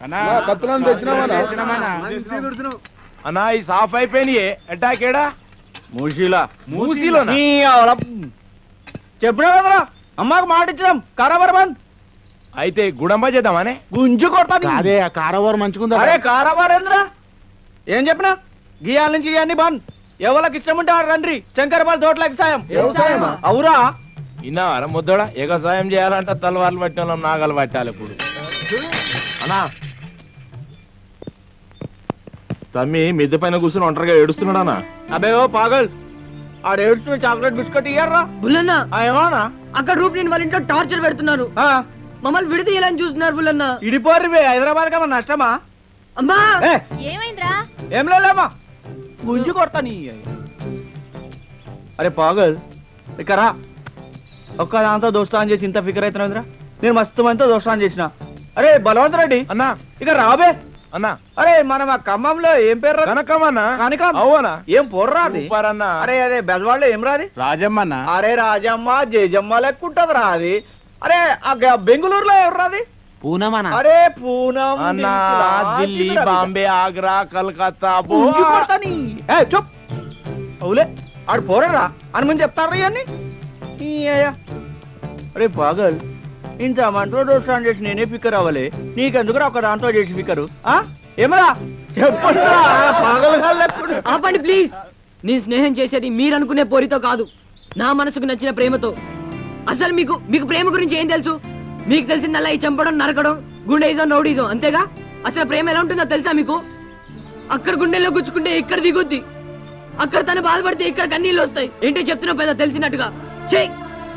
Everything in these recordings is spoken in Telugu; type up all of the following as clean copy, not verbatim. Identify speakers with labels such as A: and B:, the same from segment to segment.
A: అన్నా ఈ సాఫ్ అయిపోయినాయి ఎట్టాకేడా మూసీలో
B: చెప్పినా కదరా అమ్మకు మాట ఇచ్చినాం కారాబార్ బంద్
A: అయితే గుడంబా చేద్దామనే
B: గుంజు కొడతాను
C: అదే కారాబార్ మంచుకుందా
B: అరే కారాబార్ ఏంద్రా ఏం చెప్పినా గియాల నుంచి గియాన్ని బంద్ ఎవరికి ఇష్టం ఉంటే రండి శంకరబాల్ తోటలకి సాయం అవురా
A: ఇన్నావారా ముద్దోడా ఎగసాయం చేయాలంటే తలవార్లు పట్టిన వాళ్ళం నాగలు పట్టాలి ఇప్పుడు అన్నా తమ్మి మిద్దె పైన కూర్చుని ఒంటరిగా ఏడుస్తున్నాడా
B: అబే ఓ పాగల్ ఆడ ఏడుస్తున్న చాక్లెట్ బిస్కెట్ ఇయ్యారా
D: బుల్లన్న
B: ఏమన్నా
D: అక్కడ రూప్ నేను వాళ్ళ ఇంట్లో టార్చర్ పెడుతున్నారు మమ్మల్ని విడదీయాలని చూస్తున్నారు బుల్లన్న
B: ఇడిపోర్రి హైదరాబాద్ కా నష్టమా
D: అమ్మా
E: ఏమైందిరా
B: ఏం లేదమ్మా గుంజు కొడతా నీ అరే పాగల్ ఇక్కడ ఒక్క దాంతో దోస్తాన్ చేసి ఇంత ఫికర్ అవుతున్నావురా నేను మస్తు మందితో దోస్తాన్ చేసిన అరే బలవంత్ రెడ్డి
A: అన్నా
B: ఇక రాబే
A: అన్నా
B: అరే మనం ఆ ఖమ్మంలో ఏం పేరు
A: కనకమన్నా
B: కనకం
A: అవునా
B: ఏం పొర్రాది
A: అన్నా
B: అరే అదే బెజవాళ్ళు ఏం రాది
C: రాజమ్మన్న
B: అరే రాజమ్మ జయజమ్మ లెక్కుంటది రాది అరే ఆ బెంగళూరులో ఎవరు రాది
C: పూనమన్న
B: అరే పూనం
A: అన్నా ఢిల్లీ బాంబే ఆగ్రా కలకత్తా
B: చూప్ అవులే ఆడు పోరరా అని ముందు చెప్తారా ఇవన్నీ అరే పాగల్ ఇంత మంటలో దోషాన్ని చేసి నేనే ఫిక్కర్ అవ్వాలి నీకెందుకురా ఒక దాంతో చేసి ఫిక్కరు ఏమరా
D: ఆపండి ప్లీజ్ నీ స్నేహం చేసేది మీరు అనుకునే పోరితో కాదు నా మనసుకు నచ్చిన ప్రేమతో అసలు మీకు ప్రేమ గురించి ఏం తెలుసు మీకు తెలిసిందల్లా ఈ చంపడం నరకడం గుండెయిజం రౌడీజం అంతేగా అసలు ప్రేమ ఎలా ఉంటుందో తెలుసా మీకు అక్కడ గుండెల్లో గుచ్చుకుంటే ఇక్కడ దిగుద్ది అక్కడ తను బాధపడితే ఇక్కడ కన్నీళ్ళు వస్తాయి ఏంటో చెప్తున్నా పెద్ద తెలిసినట్టుగా చెయ్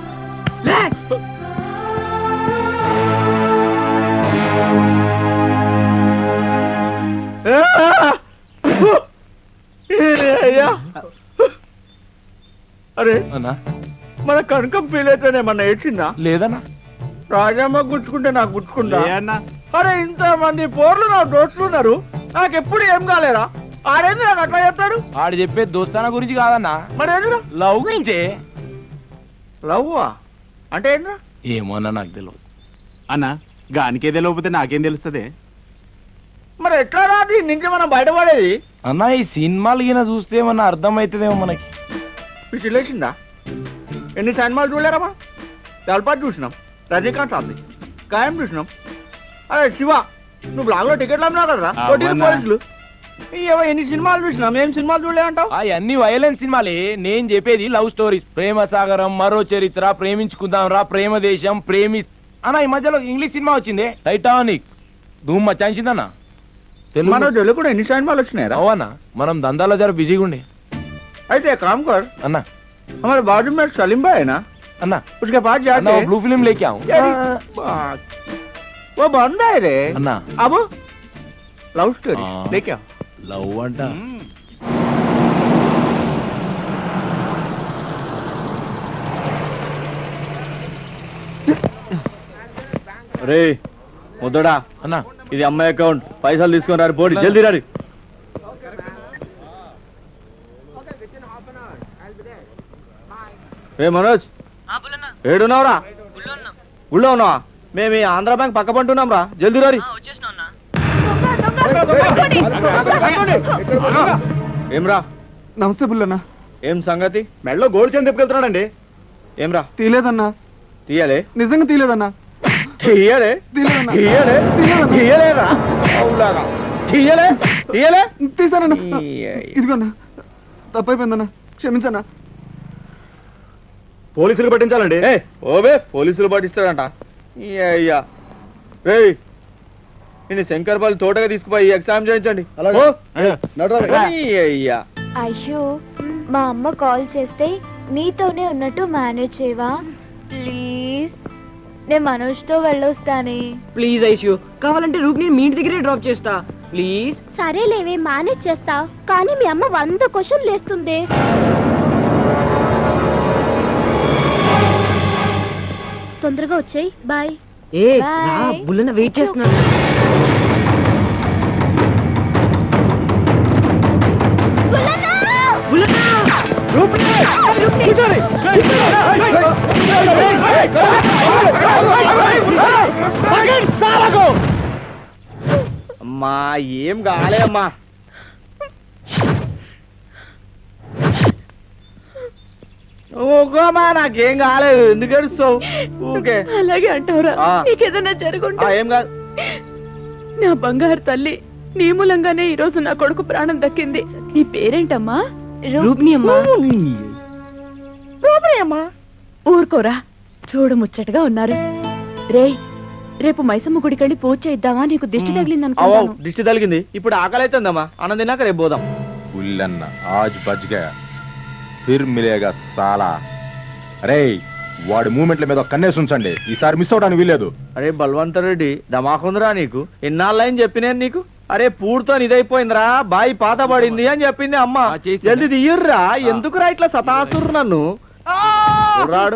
B: అరే
A: అన్నా
B: మన కనకం ఫీల్ అయితేనే మన ఏడ్చిందా
A: లేదన్నా
B: రాజమ్మ గుచ్చుకుంటే నాకు గుచ్చుకుంటా అరే ఇంత మంది పోర్లు నా దోస్తులు ఉన్నారు నాకు ఎప్పుడు ఏం కాలేరా ఆడేంది నాకు అట్లా చెప్తాడు
A: ఆడు చెప్పే దోస్తాన గురించి కాదన్నా
B: మరి ఏంద్రా
A: లవ్ గురించే
B: లవ్వా అంటే ఏంద్రా
A: ఏమోన్నా నాకు తెలియదు
C: అన్న గానికే తెలియకపోతే నాకేం తెలుస్తుంది
B: మరి ఎట్లా రా దీని నుంచి మనం బయటపడేది
A: అన్నా ఈ సినిమాలు ఈయన చూస్తే ఏమన్నా అర్థమవుతుందేమో మనకి
B: పిచ్చిలేసిందా ఎన్ని సినిమాలు చూడలేరమ్మా తలపాటు చూసినాం రజనీకాంత్ సార్ది ఖాయం చూసినాం అరే శివ నువ్వు బ్లాగ్లో టికెట్లు అమ్మినావు కదరా పోలీసులు ఎన్ని సినిమాలు చూసినాం ఏం సినిమాలు చూడలేదంటావు
A: అన్ని వైలెన్స్ సినిమాలే నేను చెప్పేది లవ్ స్టోరీస్ ప్రేమ సాగరం మరో చరిత్ర ప్రేమించుకుందాం రా ప్రేమ దేశం అన్న ఈ మధ్యలో ఇంగ్లీష్ సినిమా వచ్చింది టైటానిక్ ధూమ్ మచ్చాయించిందన్నా
B: మన తెలుగు కూడా ఎన్ని సినిమాలు వచ్చినాయి
A: అవునా మనం దందాలో జర బిజీగా ఉండే
B: అయితే काम कर
A: अन्ना
B: हमारे बाजू में सलीम भाई है ना
A: अन्ना
B: उसके पास जाके
A: ब्लू फिल्म लेके आऊं
B: वो बंदा है रे
A: अन्ना
B: अब लव स्टोरी लेके आओ
A: लव अंटा
B: రే ముద్దడా
A: అన్నా
B: ఇది అమ్మాయి అకౌంట్ పైసలు తీసుకొని రారు పోడి జల్దీ రారి ఏ మనోజ్ ఏడున్నావురా గుళ్ళో ఉన్నావా మేము ఈ ఆంధ్ర బ్యాంక్ పక్క పంటున్నాం రా జల్దీ రారి ఏమ్రా
C: నమస్తే బుల్లన్న
B: ఏం సంగతి మెడలో గోల్డ్ చైన్ తిప్పుకెళ్తున్నాడండి ఏమ్రా
C: తీయలేదన్నా
B: తీయాలే
C: నిజంగా తీయలేదన్నా
B: తీయలే
C: తీయలేదన్నా
B: తీయలే తీయలేరా అవులాగా తీయలే తీయలే
C: తీసానన్నా ఇదిగోన్నా తప్పైపోయిందన్నా క్షమించన్నా
B: పోలీసులు పట్టించాలండి ఓవే పోలీసులు పట్టిస్తాడంట అయ్యా రే నేను శంకర్పల్లి తోటగా తీసుకుపోయి ఎగ్జామ్ చేయించండి అయ్యా
E: ఐషు మా అమ్మ కాల్ చేస్తే నీతోనే ఉన్నట్టు మేనేజ్ చేయవా ప్లీజ్ నేను మనోజ్తో వెళ్ళొస్తానే
D: ప్లీజ్ ఐషు కావాలంటే రూప్ నేను మీ ఇంటి దగ్గరే డ్రాప్ చేస్తా ప్లీజ్
E: సరేలేవే మేనేజ్ చేస్తా కానీ మీ అమ్మ 100 క్వశ్చన్లు వేస్తుంది తొందరగా వచ్చేయ్ బాయ్
D: బుల్లన్న వెయిట్ చేస్తున్నాడు
B: అమ్మా ఏం కాలే అమ్మా. ఊకోమా నాకేం కాలేదు, ఎందుకు ఏడుస్తావు ఊకే?
F: అలాగే అంటావురా,
B: ఆ.
F: నీకేదైనా జరుగుంటే.
B: ఏం కాదు.
F: నా బంగారు తల్లి, నీ మూలంగానే ఈ రోజు నా కొడుకు ప్రాణం దక్కింది. నీ పేరేంటమ్మా?
D: రూప్ని అమ్మా.
B: అమ్మా
F: ఊరుకోరా, చూడముచ్చటగా ఉన్నారు. రేయ్, రేపు మైసమ్మ గుడికెళ్ళి పూజ చేద్దామా? నీకు దిష్టి తగిలింది అనుకుంటాను.
B: దిష్టి తగిలింది, ఇప్పుడు ఆకలి అవుతుందమ్మా. అన్నం తిన్నాక రేపు పోదాం.
A: ఉల్లన్న ఆజ్ బచ్ గయా ఫిర్ మిలేగా సాలా. అరే వాడి మూమెంట్ల మీద కన్నేసి ఉంచండి, ఈసారి మిస్ అవడానికి వీల్లేదు.
B: అరే బల్వంత రెడ్డి దమాకుందిరా నీకు, ఎన్నాళ్ళని చెప్పినాను నీకు. అరే పూర్తో ఇదైపోయిందిరా, బాయి పాత పడింది అని చెప్పింది అమ్మ. జల్దీ తీయర్రా, ఎందుకురా ఇట్లా సతాస్తుర్రు నన్ను? రాడు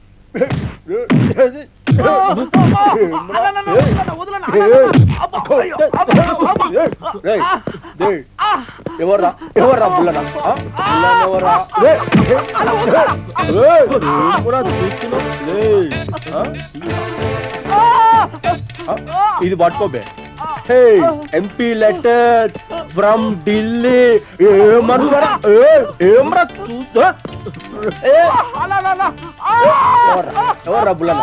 B: ఎవర్రా ఎవర్రా బుల్లనా? ఇది పట్టుకోబే. MP letter from Delhi. ఏమనురా ఏమరా చూస్తా? ఎవర్రా బుల్లనా?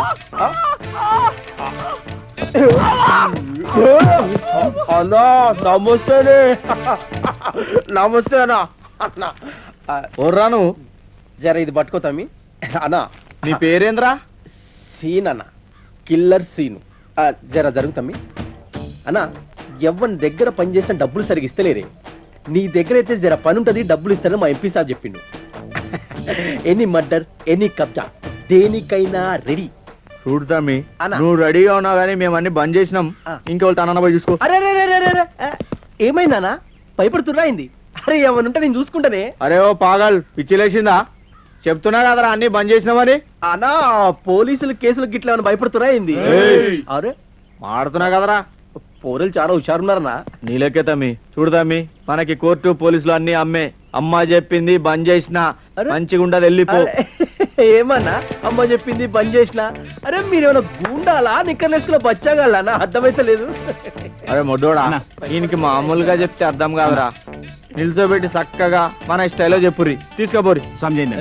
B: అన్నా నమస్తేనే. నమస్తేనా అన్నా. ఓర్రాను జర ఇది పట్టుకో తమ్మి. అన్నా నీ పేరేంద్రా? సీన్ అన్న, కిల్లర్ సీను. జర జరుగుతమ్మి. అన్నా ఎవరి దగ్గర పని చేసిన డబ్బులు సరిగ్గా ఇస్తలేరే, నీ దగ్గర అయితే జర పని ఉంటుంది, డబ్బులు ఇస్తానని మా ఎంపీ సాబ్ చెప్పిండు. ఎనీ మర్డర్ ఎనీ కబ్జా దేనికైనా రెడీ. చూడు తమ్మి, నువ్వు రెడీగా ఉన్నావు కానీ మేము అన్ని బంద్ చేసినాం. ఇంకెవరు తన పోయి చూసుకో. అరే ఏమైందన్నా, భయపడుతున్నా అయింది? అరే ఏమనుంటే నేను చూసుకుంటానే. అరే ఓ పాగల్, పిచ్చిలేసిందా? చెప్తున్నా కదరా అన్ని బంద్ చేసినామని. అన్నా పోలీసులు కేసులు గిట్లా ఏమైనా భయపడుతున్నా అయింది? అరే మాడుతున్నా కదరా, పోలీసులు చాలా హుషారున్నారన్నా. నీలకే తమ్మి. చూడు తమ్మి, మనకి కోర్టు పోలీసులు అన్ని అమ్మే. అమ్మ చెప్పింది బంద్ చేసిన మంచిగా ఉండదు, వెళ్ళిపో. ఏమన్నా అమ్మ చెప్పింది బంద్ చేసిన? అరే మీరేమైనా గుండాలా, నిక్కర్లేసుకున్న బచ్చాగాళ్ళనా? అర్థమైతే లేదు. అరే మొడ్డోడా, ఈయనకి మామూలుగా చెప్తే అర్థం కాదురా. నిల్చోబెట్టి చక్కగా మన స్టైల్లో చెప్పుర్రి, తీసుకోపోరి.
C: సమజైంది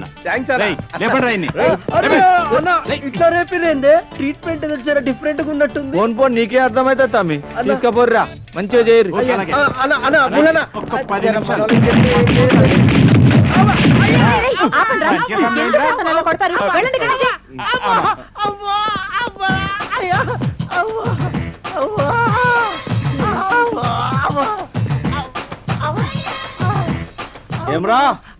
B: ఇట్లా రేపిరేందే, ట్రీట్మెంట్ జర డిఫరెంట్ గా ఉన్నట్టుంది. ఫోన్ ఫోన్ నీకే అర్థమైతే తమ్మి, తీసుకోపోర్రా, మంచిగా చేయరు. ఏమ్రా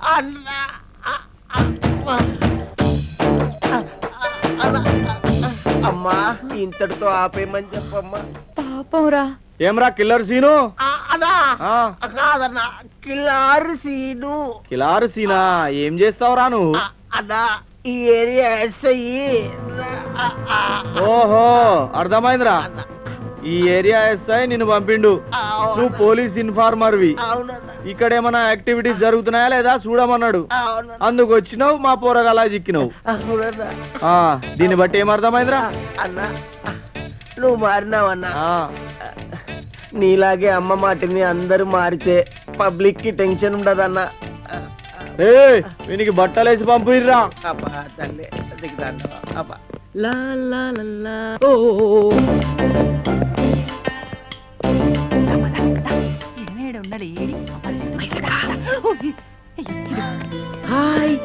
B: అమ్మా, ఇంతటితో ఆపేయమని చెప్పమ్మా.
F: పాపంరా.
B: ఏమ్రా కిల్లర్ సీను?
G: కాదన్నా, కిలారు సీను.
B: కిలారు సీనా? ఏం చేస్తావురా నువ్వు?
G: అన్నా ఈ ఏరియా ఎస్ఐ.
B: ఓహో అర్థమైందిరా, ఈ ఏరియా ఎస్ఐ నిన్ను పంపిండు. నువ్వు పోలీస్ ఇన్ఫార్మర్వి. ఇక్కడ ఏమైనా యాక్టివిటీస్ జరుగుతున్నాయా లేదా చూడమన్నాడు. అందుకు వచ్చినావు, మా పోరగాలా చిక్కినావు. దీన్ని బట్టి ఏమర్థమైందిరా?
G: అన్నా నువ్వు మారినావన్నా. నీలాగే అమ్మ మాటిని అందరూ మారితే పబ్లిక్ కి టెన్షన్ ఉండదన్నా.
B: వీనికి బట్టలేసి పంపిర్రా.
G: అబ్బా తల్లి దిగుతాండ. అబ్బా
D: లా లా లా లా. ఓ హాయ్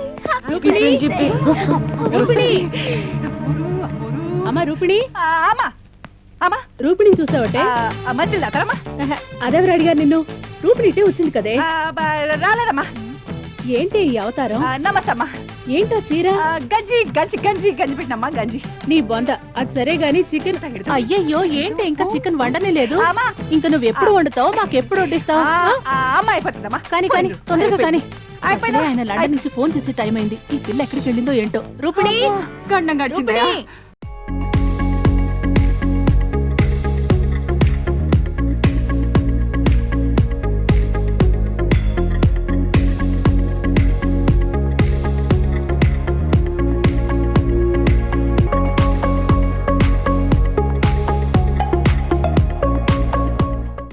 F: అమ్మా రూపిణి, రూపిణి చూసావటే? అదెవరు అడిగారు నిన్ను? రూపిణి ఇటే వచ్చింది కదే.
H: రాలేదమ్మా.
F: ఏంటి ఈ అవతారం?
H: నమస్తే అమ్మా.
F: ఏంటో చీర?
H: గంజి గంజి గంజి గంజి పెట్టినమ్మా. గంజి
F: నీ బొంద. అది సరే గాని చికెన్. అయ్యయ్యో, ఏంటి ఇంకా చికెన్ వండనే లేదు? ఇంకా నువ్వు ఎప్పుడు వండుతావు, మాకు ఎప్పుడు వడ్డిస్తావు?
H: అమ్మ అయిపోతుందమ్మా.
F: కానీ కానీ తొందరగా కానీ. ఆయన లండన్ నుంచి ఫోన్ చేసే టైం అయింది. ఈ పిల్ల ఎక్కడికి వెళ్ళిందో ఏంటో. రూపిణి
H: గండం గడిచింది.